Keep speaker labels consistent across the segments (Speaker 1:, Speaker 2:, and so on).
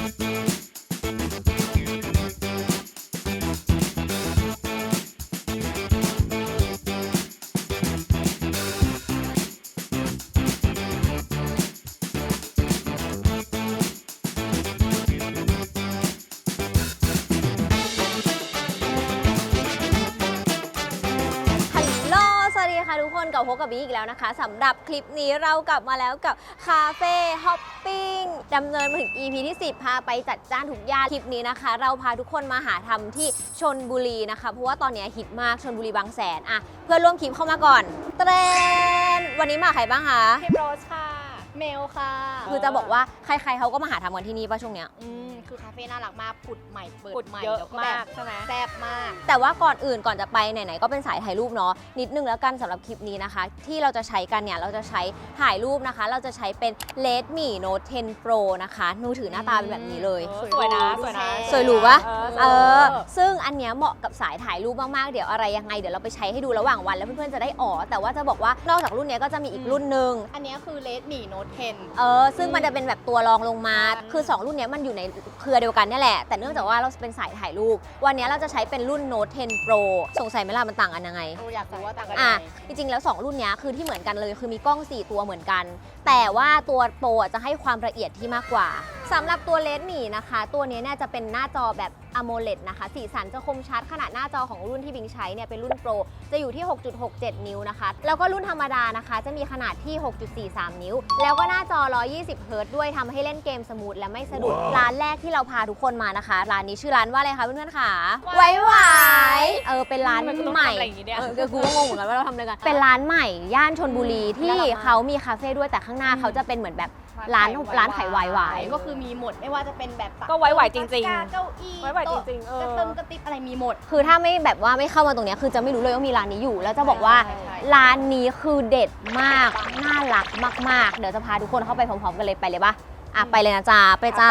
Speaker 1: ทุกคนกับพบกับบีอีกแล้วนะคะสำหรับคลิปนี้เรากลับมาแล้วกับคาเฟ่ฮอปปิ้งดำเนินมาถึง EP ที่ 10 พาไปจัดจ้านทุกย่านคลิปนี้นะคะเราพาทุกคนมาหาทำที่ชลบุรีนะคะเพราะว่าตอนนี้ฮิตมากชลบุรีบางแสนอะเพื่อนร่วมคลิปเข้ามาก่อนเทรนวันนี้มาใครบ้างคะ
Speaker 2: พิมโรสค่ะเมลค่ะ
Speaker 1: คือจะบอกว่าใครๆเขาก็มาหาทำกันที่นี่ป่ะช่วงเนี้ย
Speaker 2: คือคาเฟ่น่ารักมากผุดใหม่เปิดใหม่
Speaker 3: เยอะ
Speaker 2: แล้วก็
Speaker 3: มากใช่ไหม
Speaker 2: แซ่บมาก
Speaker 1: แต่ว่าก่อนอื่นก่อนจะไปไหนๆก็เป็นสายถ่ายรูปเนาะนิดนึงแล้วกันสำหรับคลิปนี้นะคะที่เราจะใช้กันเนี่ยเราจะใช้ถ่ายรูปนะคะเราจะใช้เป็น Redmi Note 10 Pro นะคะมือถือหน้าตาเป็นแบบนี้เลย
Speaker 3: สวยนะ
Speaker 1: สวยหรูปะซึ่งอันเนี้ยเหมาะกับสายถ่ายรูปมากๆเดี๋ยวอะไรยังไงเดี๋ยวเราไปใช้ให้ดูระหว่างวันแล้วเพื่อนๆจะได้แต่ว่าจะบอกว่านอกจากรุ่นนี้ก็จะมีอีกรุ่นนึง
Speaker 2: อันนี้คือ Redmi Note 10
Speaker 1: ซึ่งมันจะเป็นแบบตัวรองลงมาคือ2รุ่นนี้มันอยู่ในเครือเดียวกันนี่แหละแต่เนื่องจากว่าเราเป็นสายถ่ายรูปวันนี้เราจะใช้เป็นรุ่น Note 10 Pro สงสัยไหมล่ะมันต่างกันยังไง
Speaker 2: อยากรู้ว่าต่างกันยังไง
Speaker 1: จริงๆแล้ว2รุ่นนี้คือที่เหมือนกันเลยคือมีกล้อง4ตัวเหมือนกันแต่ว่าตัว Pro จะให้ความละเอียดที่มากกว่าสำหรับตัว Redmi นะคะตัวนี้เนี่ยจะเป็นหน้าจอแบบ AMOLED นะคะสีสันจะคมชัดขนาดหน้าจอของรุ่นที่บิงใช้เนี่ยเป็นรุ่น Pro จะอยู่ที่ 6.67 นิ้วนะคะแล้วก็รุ่นธรรมดานะคะจะมีขนาดที่ 6.43 นิ้วแล้วก็หน้าจอ 120 เฮิรตซ์ด้วยทำให้เล่นเกมสมูทและไม่สะดุดร้านแรกที่เราพาทุกคนมานะคะร้านนี้ชื่อร้านว่าอะไรคะเพื่อนๆค่ะไว้หวายเป็นร้านใหม่กูก็งงเหมือนกันว่าเราทำอะไรกันเป็นร้านใหม่ย่านชลบุรีที่เขามีคาเฟ่ด้วยแต่ข้างหน้าเขาจะเป็นเหมือนแบบร้านขายไวน์หวาย
Speaker 2: ก็คือมีหมดไม่ว่าจะเป็นแบบ
Speaker 3: ก็ไวน์หวายจริง
Speaker 2: ๆเก้าอี้
Speaker 3: ไวน์หวายจริง
Speaker 2: ๆกระติบอะไรมีหมด
Speaker 1: คือถ้าไม่แบบว่าไม่เข้ามาตรงนี้คือจะไม่รู้เลยว่ามีร้านนี้อยู่แล้วจะบอกว่าร้านนี้คือเด็ดมากน่ารักมากๆเดี๋ยวจะพาทุกคนเข้าไปพร้อมๆกันเลยไปเลยปะไปเลยนะจ๊ะไปจ้า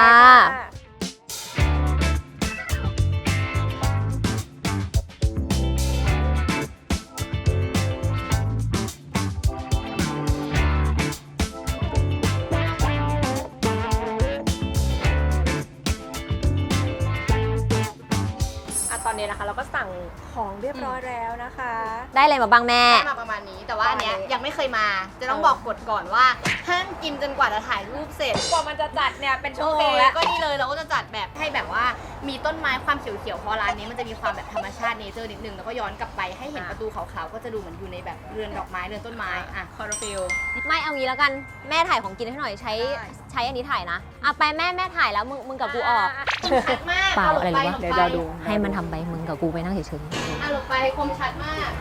Speaker 3: ตอนนี้นะคะเราก็สั่งของเรียบร้อยแล้วนะคะ
Speaker 1: ได้อะไรมาบ้างแม่
Speaker 2: ได้มาประมาณนี้แต่ว่าอันเนี้ยยังไม่เคยมาจะต้องบอกกฎก่อนว่าห้ามกินจนกว่าจะถ่ายรูปเสร็จ
Speaker 3: กว่ามันจะจัดเนี่ยเป็นชั่วโมงแล้ว
Speaker 2: ก็นี่เลยเราก็จะจัดแบบให้แบบว่ามีต้นไม้ความเขียวๆเพราะร้านนี้มันจะมีความแบบธรรมชาติเนเจอร์นิดนึงแล้วก็ย้อนกลับไปให้เห็นประตูขาวๆก็จะดูเหมือนอยู่ในแบบเรือนดอกไม้เรือนต้นไม้
Speaker 3: คอร์ฟิล
Speaker 1: ไม่เอางี้แล้วกันแม่ถ่ายของกินให้หน่อยใช้อันนี้ถ่ายนะไปแม่ถ่ายแล้วมึงกับกูออก
Speaker 2: ชัดมาก
Speaker 1: เปล่าอะไรหรือวะ
Speaker 3: เดี๋ยวเราดู
Speaker 1: ให้มันทำไปมึงกับกูไปนั่งเฉย
Speaker 2: ๆลงไปคมชัดมาก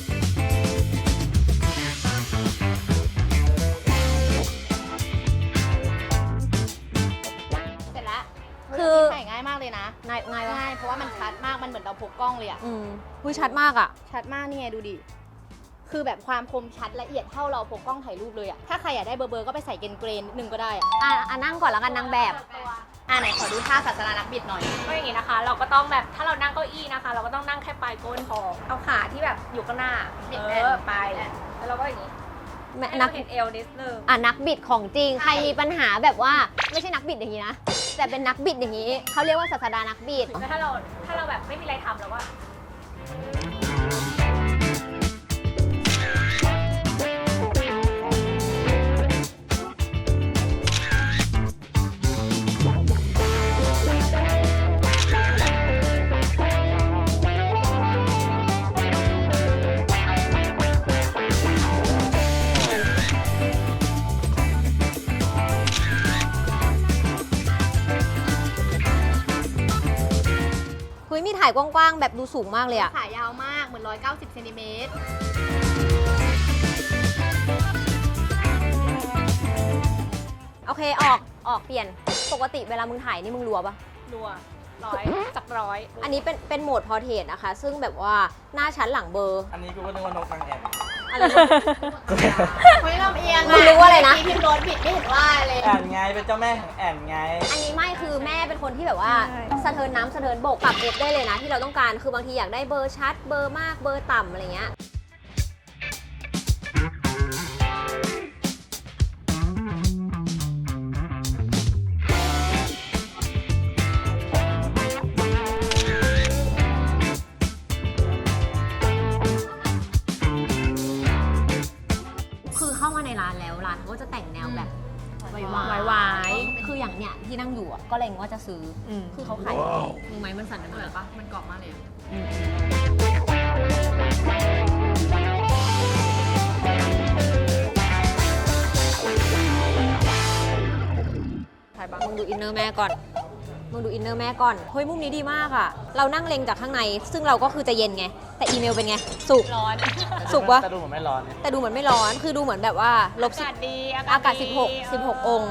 Speaker 2: เสร็จแล้วคือถ่ายง่ายมากเลยนะ
Speaker 1: ง่าย
Speaker 2: เพราะว่ามันชัดมากมันเหมือนเราพกกล้องเลย
Speaker 1: ชัดมาก
Speaker 2: ชัดมากนี่ไงดูดิคือแบบความคมชัดละเอียดเท่าเราพกกล้องถ่ายรูปเลยถ้าใครอยากได้เบอร์ก็ไปใส่เกรนนิดนึงก็ได้
Speaker 1: นั่งก่อนแล้วกันนางแบบ
Speaker 2: ไหนขอดูท่าศาสนานักบิดหน่อย
Speaker 3: ก็อย่างนี้นะคะเราก็ต้องแบบถ้าเรานั่งเก้าอี้นะคะเราก็ต้องนั่งแค่ปลายก้นพอเอาขาที่แบบอยู่ข้างหน้าบิดไปแล้วเราก็อย่างนี้นักเห็นเอวนิดนึง
Speaker 1: นักบิดของจริงใครมีปัญหาแบบว่าไม่ใช่นักบิดอย่างนี้นะแต่เป็นนักบิดอย่างนี้เขาเรียกว่าศาสดานักบิด
Speaker 3: ถ้าเราแบบไม่มีอะไรทำแล้วว่า
Speaker 1: มีถ่ายกว้างๆแบบดูสูงมากเลย
Speaker 2: ขายาวมากเหมือน190เซนติเมตร
Speaker 1: โอเคออกเปลี่ยนปกติเวลามึงถ่ายนี่มึงรัวปะ
Speaker 3: รัว100 จาก 100
Speaker 1: อันนี้เป็นโหมดพอร์เทรตนะคะซึ่งแบบว่าหน้าชั้นหลังเบอร์
Speaker 4: อันนี้กูก็นึกว่านกทางแอบ
Speaker 1: อะไร
Speaker 2: ไม่ลำเอียง
Speaker 1: มึงรู้ว่าอะไรนะ
Speaker 2: พิมพ์รถบิดไม่เห็นว่าเลย
Speaker 4: แอนไงเป็นเจ้าแม่ของแอนไง
Speaker 1: อันนี้ไม่คือแม่เป็นคนที่แบบว่าสะเทินน้ำสะเทินบกปรับเอฟได้เลยนะที่เราต้องการคือบางทีอยากได้เบอร์ชัดเบอร์มากเบอร์ต่ำอะไรเงี้ยเนี่ยที่นั่งอยู่อะก็เล็งว่าจะซื้ออคือเขาขายมือไม้มันสั่นกัน
Speaker 2: อ
Speaker 1: เล
Speaker 2: ร่อย
Speaker 1: ย
Speaker 2: ปะมันกรอบมากเลยอะ
Speaker 1: ถ่ายบ้างมึงดูอินเนอร์แม่ก่อนมึงดูอินเนอร์แม่ก่อนเฮ้ยมุมนี้ดีมากอะเรานั่งเล็งจากข้างในซึ่งเราก็คือจะเย็นไงแต่อีเมลเป็นไงสุก
Speaker 3: ร้อน
Speaker 1: สุกวะ
Speaker 4: แต่ดูเหมือนไม่ร้อนเนี่ย
Speaker 1: แต่ดูเหมือนไม่ร้อนคือดูเหมือนแบบว่าลบ
Speaker 3: อากาศดี
Speaker 1: อากาศ16 องค์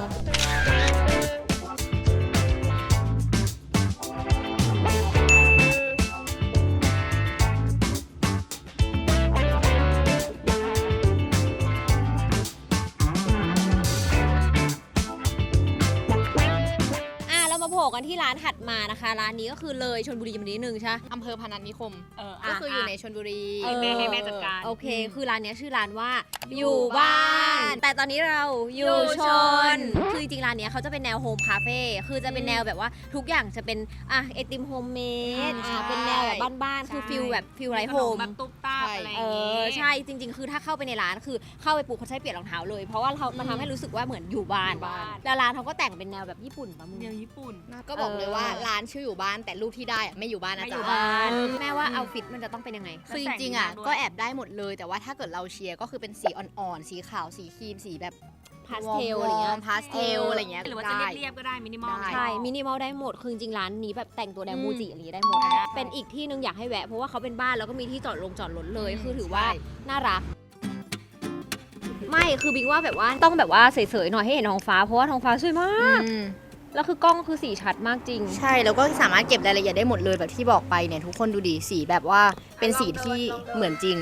Speaker 1: เรามาโผล่กันที่ร้านถัดมานะคะร้านนี้ก็คือเลยชลบุรีมานิดนึงใช่
Speaker 2: อำเภอพนัสนิคม
Speaker 3: ก็
Speaker 2: ก็คืออยู่ในชลบุรี
Speaker 3: ให้แม่จัดการ
Speaker 1: โอเค คือร้านเนี้ยชื่อร้านว่าอยู่บ้าน แต่ตอนนี้เราอยู่ชน คือจริงๆร้านเนี้ยเขาจะเป็นแนวโฮมคาเฟ่ คือจะเป็นแนวแบบว่าทุกอย่างจะเป็นไอติมโฮมเมด
Speaker 2: ใช่
Speaker 1: เป็นแนวแบบบ้านๆ คือฟิลแบบฟิลไรโฮม
Speaker 3: แบบตุ๊บตาอะไรอ
Speaker 1: เอย่าง
Speaker 3: งี้
Speaker 1: ใช่จริง ๆ คือถ้าเข้าไปในร้านคือเข้าไปปุ๊บเขาใช้เปลี่ยนรองเท้าเลย เพราะว่ามันทำให้รู้สึกว่าเหมือนอยู่บ้าน แล้วร้านเขาก็แต่งเป็นแนวแบบญี่ปุ่นปะมึง
Speaker 3: เดียวญี่ปุ่น
Speaker 2: ก็บอกเลยว่าร้านชื่ออยู่บ้านแต่รูปที่ได้อะไม่อยู่บ้านนะ
Speaker 3: ไม่อยู่
Speaker 2: จ๊ะ
Speaker 3: บ้าน
Speaker 1: แม่ว่าเอาฟิตมันจะต้องเป็นยังไง
Speaker 2: คือจริงๆอ่ะก็แอบได้หมดเลย แต่ว่าถ้าเกิดเราเชียร์ก็คือเป็นสีอ่อนๆสีขาวสีครีมสีแบบ
Speaker 1: พาสเทลอะไรเงี้ย
Speaker 2: พาสเทลอะไรเงี้ย
Speaker 3: หรือว่าจะ
Speaker 2: ได้
Speaker 3: เรียบๆก็ได้มินิมอล
Speaker 2: ได้
Speaker 1: ใช่ มินิมอลได้หมด คือจริงๆร้านนี้แบบแต่งตัวแนวมูจิอะไรอย่างงี้ได้หมด เป็นอีกที่หนึงอยากให้แวะ เพราะว่าเขาเป็นบ้านแล้วก็มีที่จอดรถเลย คือถือว่า
Speaker 2: ใช่
Speaker 1: น่ารัก ไม่ คือบิงว่าแบบว่าต้องแบบว่าเสยๆหน่อยให้เห็นท้องฟ้า เพราะว่าท้องฟ้าสวยมาก แล้วคือกล้องคือสีชัดมากจริง
Speaker 2: ใช่แล้วก็สามารถเก็บรายละเอียดได้หมดเลยแบบที่บอกไปเนี่ยทุกคนดูดิสีแบบว่าเป็นสีที่เหมือนจริง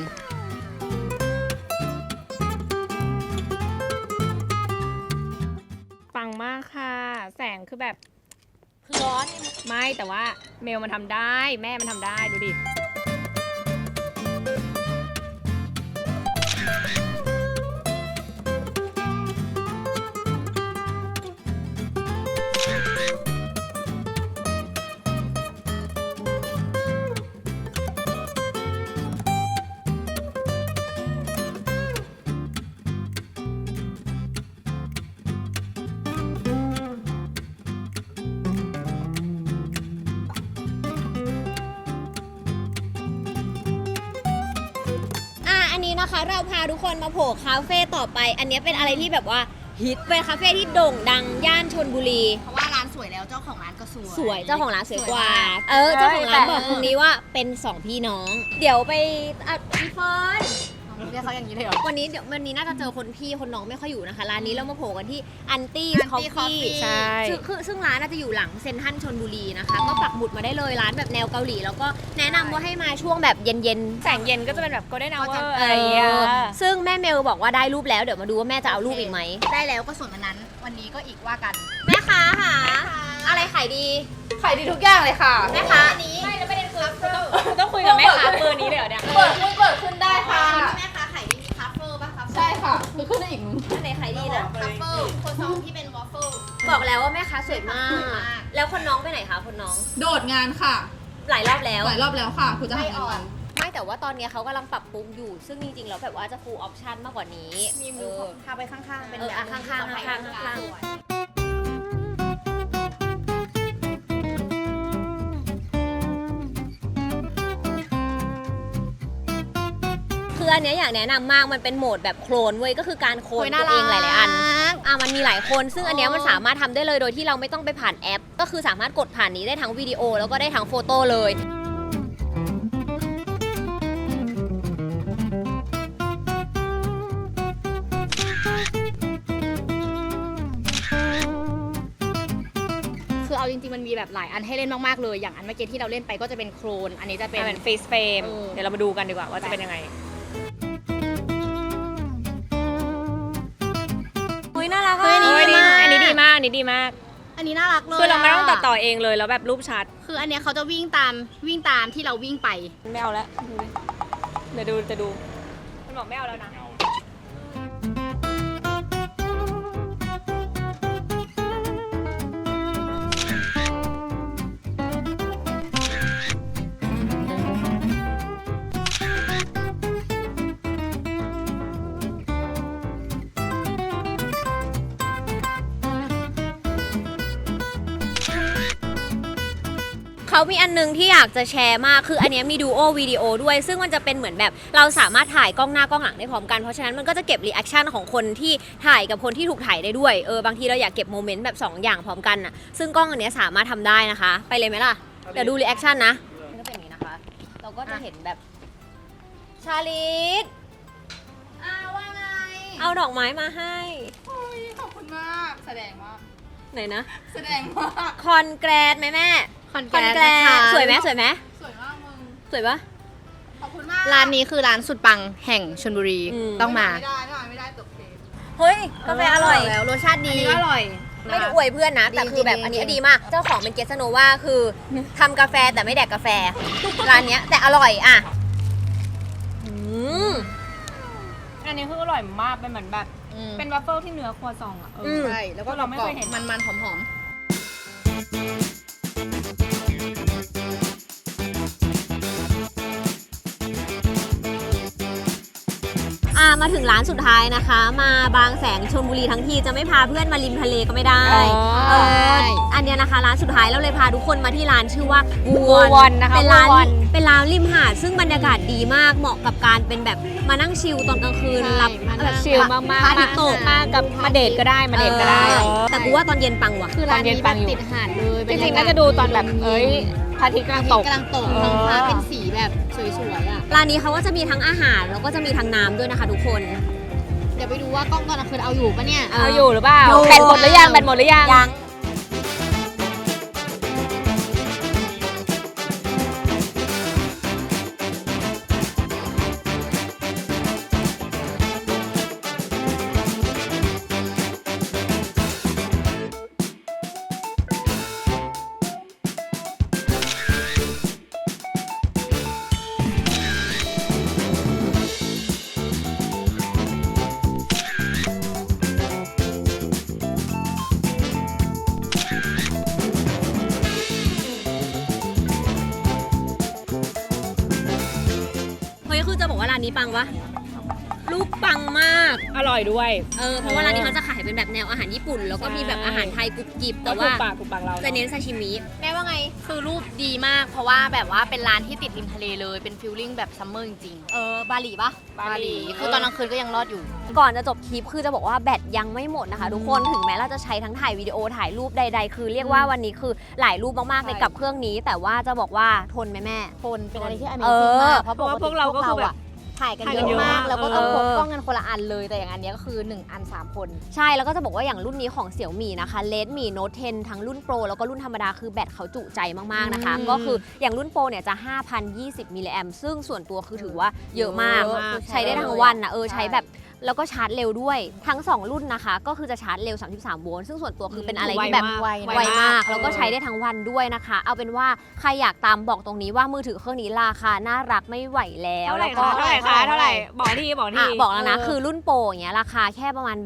Speaker 3: ปังมากค่ะ แสงคือแบบ
Speaker 1: คือร้อน
Speaker 3: ไม่แต่ว่าเมลมันทำได้แม่มันทำได้ดูดิ
Speaker 1: อันนี้นะคะเราพาทุกคนมาโผล่คาเฟ่ต่อไป อันนี้เป็นอะไรที่แบบว่าฮิตเป็นคาเฟ่ที่โด่งดังย่านชลบุรี
Speaker 2: เพราะว่าร้านสวยแล้วเจ้าของร้านก็สวย
Speaker 1: สวยเจ้าของร้านสวยกว่า
Speaker 2: สวยมาก
Speaker 1: เจ้าของร้านบอกตรงนี้ว่าเป็น2พี่น้อง เดี๋ยวไปพี่เฟิร์น
Speaker 2: เรียกเขาอย่างนี้เลยเหรอ
Speaker 1: วันนี้น่าจะเจอคนพี่คนน้องไม่ค่อยอยู่นะคะร้านนี้เรามาโผล่กันที่อันตี้
Speaker 2: Auntie
Speaker 1: คอฟฟี่
Speaker 2: Coffee
Speaker 3: ใช่
Speaker 1: ซึ่งร้านน่าจะอยู่หลังเซ็นทรัลชลบุรีนะคะ ก็ปักหมุดมาได้เลยร้านแบบแนวเกาหลี แล้วก็แนะนำว่าให้มาช่วงแบบเย็น
Speaker 3: แสงเย็นก็จะเป็นแบบ golden
Speaker 2: ก็จะ
Speaker 3: hour
Speaker 1: ๆ
Speaker 3: อะไรอย่างเงี้ย
Speaker 1: ซึ่งแม่เมลบอกว่าได้รูปแล้วเดี๋ยวมาดูว่าแม่จะเอารูปอีกไหม
Speaker 2: ได้แล้วก็ส่วนวันนั้น วันนี้ก็อีกว่ากัน
Speaker 1: แม่ค้าค่ะอะไรขายดี
Speaker 2: ขายดีทุกอย่างเลยค่ะ
Speaker 1: แม่ค้า
Speaker 2: อันนี้ไม่แล้วประเด็นคือ
Speaker 3: ต้องคุยกับแม่ค้าเบอร์นี้เลยเหรอเนี่ย
Speaker 2: เปิดขึ้นได้ค่ะแม่ค้าขายดีมีคัฟเฟิลป่ะคัฟเฟิลใช่ค่ะคือขึ้นได้อีก
Speaker 1: อันไหนขายดีนะ
Speaker 2: คัฟเฟิลโคซองที่เป็นวอฟเฟิล
Speaker 1: บอกแล้วว่าแม่ค้าสวยมาก
Speaker 2: สวยมาก
Speaker 1: แล้วคนน้องไปไหนคะคนน้อง
Speaker 5: โดดงานค่ะ
Speaker 1: หลายรอบแล้ว
Speaker 5: หลายรอบแล้วค่ะ คุณจะ
Speaker 2: ไม่
Speaker 5: หางาน
Speaker 2: อ่อ
Speaker 5: ใหม่
Speaker 2: น
Speaker 1: ไม่แต่ว่าตอนนี้เขากำลังปรับปรุงอยู่ ซึ่งจริงๆแล้วแบบว่าจะ full option มากกว่านี้
Speaker 2: มีมือพาไปข้างๆ เป็น
Speaker 1: เออ
Speaker 2: แบบ
Speaker 1: ข้างๆข้างๆ คืออันเนี้ยอยากแนะนำมากมันเป็นโหมดแบบโคลนเว้ยก็คือการโคลนตัวเองหลายๆอันมันมีหลายคนซึ่งอันเนี้ยมันสามารถทำได้เลยโดยที่เราไม่ต้องไปผ่านแอป ก็คือสามารถกดผ่านนี้ได้ทั้งวิดีโอแล้วก็ได้ทั้งโฟโต้เลย
Speaker 2: คือเอาจริงๆมันมีแบบหลายอันให้เล่นมากๆเลย อย่างอันเมื่อกี้ที่เราเล่นไปก็จะเป็นโครน อันนี้จะเป็น
Speaker 3: เป็น face frame
Speaker 2: เออ
Speaker 3: เดี๋ยวเรามาดูกันดีกว่าว่าจะเป็นยังไง
Speaker 1: เฮ้ยน่ารัก
Speaker 2: เฮ้ย
Speaker 3: เฮ้ย
Speaker 2: ดีมาก
Speaker 3: อันนี้ดีมากอันนี้ดีมาก
Speaker 2: อันนี้น่ารักเลย
Speaker 3: คือเราไม่ต้องตัดต่อเองเลยแล้วแบบรูปชัด
Speaker 2: คืออันเนี้ยเขาจะวิ่งตามที่เราวิ่งไป
Speaker 3: ไม่เอาแล้วดูดิเดี๋ยวดูจะดู มันบอกไม่เอาแล้วนะ
Speaker 1: เขามีอันนึงที่อยากจะแชร์มากคืออันเนี้ยมีดูโอวิดีโอด้วย ซึ่งมันจะเป็นเหมือนแบบเราสามารถถ่ายกล้องหน้ากล้องหลังได้พร้อมกันเพราะฉะนั้นมันก็จะเก็บรีแอคชั่นของคนที่ถ่ายกับคนที่ถูกถ่ายได้ด้วยบางทีเราอยากเก็บโมเมนต์แบบ2อย่างพร้อมกันน่ะซึ่งกล้องอันเนี้ยสามารถทำได้นะคะไปเลยไหมล่ะเดี๋ยวดูรีแอคชั่นนะมันก็เป็นอย่างนี้นะคะเราก็จะเห็นแบบชาลิต
Speaker 2: ว่าไง
Speaker 1: เอาดอกไม้มาให้
Speaker 2: โอ้ยขอบคุณมาก แสดงว่า
Speaker 1: ไหนนะ
Speaker 2: แสดงว่า
Speaker 1: คอนแกรดไหมแม่
Speaker 2: คอนแกรด
Speaker 1: สวยไหมสวยไหม
Speaker 2: สวยมากมึง
Speaker 1: สวยปะ
Speaker 2: ขอบคุณมาก ร้านนี้คือร้านสุดปังแห่งชลบุรี ต้องมา ไม่ได้ตกเทป
Speaker 1: เฮ้ยกาแฟอร่อย
Speaker 2: แล้วรสชาติดี
Speaker 3: อร่อย
Speaker 1: ไม่ได้อวยเพื่อนนะ แต่คือแบบอันนี้ดีมาก เจ้าของเป็นเกสโนว่าคือทำกาแฟแต่ไม่แดกกาแฟ ร้านเนี้ยแต่อร่อยอ่ะ
Speaker 3: อันนี้คืออร่อยมากเป็นเหมือนแบบ เป็นวัฟเฟิลที่เนื้อครัวซองอ่ะ
Speaker 2: ใช่ แล้วก็
Speaker 3: เราไม่เคยเห็น
Speaker 2: มันๆหอม
Speaker 1: มาถึงร้านสุดท้ายนะคะ มาบางแสนชลบุรีทั้งทีจะไม่พาเพื่อนมาริมทะเลก็ไม่ได้ อันเนี้ยนะคะร้านสุดท้ายเราเลยพาทุกคนมาที่ร้านชื่อว่า
Speaker 3: Wuwon นะคะ
Speaker 1: เป็นร้าน
Speaker 3: Wuwon
Speaker 1: เป็นร้านริมหาดซึ่งบรรยากาศดีมากเหมาะกับการเป็นแบบมานั่งชิลตอนกลางคืนรับ
Speaker 3: แบบชิลมากๆ
Speaker 1: พระอาทิตย์ตก
Speaker 3: มากับมาเดทก็ได้มาเดทก็ได้
Speaker 1: แต่กูว่าตอนเย็นปังว่ะ
Speaker 2: ๆ คือร้านนี้แบบติดหาดเลย
Speaker 3: จริงๆน่าจะดูตอนแบบพระอาทิตย์กำลังตก
Speaker 2: กำลังตกท้องฟ้าเป็นสีแบบสวยๆอ่ะ
Speaker 1: ร้านนี้เขาก็จะมีทั้งอาหารแล้วก็จะมีทั้งน้ำด้วยนะคะทุกคน
Speaker 2: เดี๋ยวไปดูว่ากล้องตอนกลางคืนเอาอยู่ปะเนี่ย
Speaker 3: เอาอยู่หรือเปล่า
Speaker 1: อยู่
Speaker 3: แบตหมดหรือยังแบตหมดหรือยัง
Speaker 1: ยังเฮ้ยคือจะบอกว่าร้านนี้ปังวะรูปปังมาก
Speaker 3: อร่อยด้วย
Speaker 1: เพราะว่าร้านนี้เขาจะขายเป็นแบบแนวอาหารญี่ปุ่น แล้วก็มีแบบอาหารไทยกรุบกริบแต่ว่า
Speaker 3: ถูกปากเรา
Speaker 1: จะเน้นซาชิมิ
Speaker 2: แม่ว่าไง คือรูปดีมาก เพราะว่าแบบว่าเป็นร้านที่ติดริมทะเลเลย เป็นฟิลลิ่งแบบซัมเมอร์จริง
Speaker 1: บาหลีปะ
Speaker 2: ๆ บาหลี คือตอนกลางคืนก็ยังรอดอยู่
Speaker 1: ก่อนจะจบคลิปคือจะบอกว่าแบตยังไม่หมดนะคะทุกคนถึงแม้เราจะใช้ทั้งถ่ายวิดีโอถ่ายรูปใดๆคือเรียกว่าวันนี้คือหลายรูปมากๆเลยกับเครื่องนี้ แต่ว่าจะบอกว่าทนไหมแม่
Speaker 2: คนเป็นอะไรที่
Speaker 1: เอ
Speaker 2: Amazing
Speaker 1: อ
Speaker 2: มาก เพราะ
Speaker 3: เพราะว่าพวกเราก็คือแบบ
Speaker 2: ถ่ายกัน
Speaker 3: ถ่าย
Speaker 2: เย
Speaker 3: กัน
Speaker 2: อะ
Speaker 3: เยอะ
Speaker 2: มาก
Speaker 3: มาก
Speaker 2: แล้วก็ต้องพก
Speaker 1: เออ
Speaker 2: กล้องกันคนละอันเลย แต่อย่างอันเนี้ยก็คือ 1 อัน 3 คน
Speaker 1: ใช่แล้วก็จะบอกว่าอย่างรุ่นนี้ของ Xiaomi นะคะ Redmi Note 10 ทั้งรุ่น Pro แล้วก็รุ่นธรรมดาคือแบตเขาจุใจมากๆนะคะ ก็คืออย่างรุ่น Pro เนี่ยจะ 5,020 มิลลิแอมซึ่งส่วนตัวคือถือว่าเยอะมาก
Speaker 3: เยอะมาก
Speaker 1: ใช้ได้ทั้งวันนะใช้แบบแล้วก็ชาร์จเร็วด้วยทั้ง 2 รุ่นนะคะ ก็คือจะชาร์จเร็ว 33 โวลต์ซึ่งส่วนตัวคือเป็นอะไรที่แบบ
Speaker 3: ไว
Speaker 1: ไวมากแล้วก็ใช้ได้ทั้งวันด้วยนะคะ เอาเป็นว่าใครอยากตามบอกตรงนี้ว่ามือถือเครื่องนี้ราคาน่ารักไม่ไหวแล้ว
Speaker 3: เท่าไหร่
Speaker 1: แล้วก็
Speaker 3: คะเท่าไหร่คะเท่าไหร่บอกทีบอกที
Speaker 1: บอกแล้วนะคือรุ่นโปรอย่างเงี้ยราคาแค่ประมาณแบบ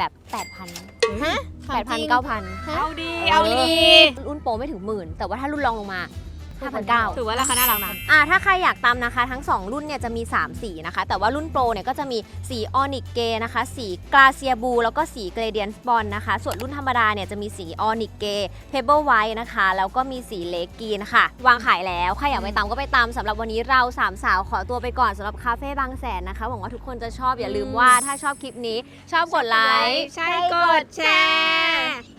Speaker 1: 8,000
Speaker 2: ฮะ
Speaker 1: 8,000 9,000
Speaker 3: เอาดีเอาดี
Speaker 1: รุ่นโปรไม่ถึงหมื่นแต่ว่าถ้ารุ่นรองลงมา 5,900
Speaker 3: ถือว่าราคาน่ารักนะ
Speaker 1: ถ้าใครอยากตามนะคะทั้ง 2 รุ่นเนี่ยจะมี 3 สีนะคะ แต่ว่ารุ่นโปรเนี่ยก็จะมีสีออนิกเกนะคะ สีกราเซียบูแล้วก็สีเกรเดียนบอลนะคะ ส่วนรุ่นธรรมดาเนี่ยจะมีสีออนิกเกเพเบิลไวท์นะคะ แล้วก็มีสีเลกกีนะคะวางขายแล้ว ใครอยากไปตามก็ไปตามสำหรับวันนี้เรา 3 สาวขอตัวไปก่อนสำหรับคาเฟ่บางแสนนะคะหวังว่าทุกคนจะชอบอย่าลืมว่าถ้าชอบคลิปนี้ชอบกดไลค์
Speaker 3: ใช่กดแชร์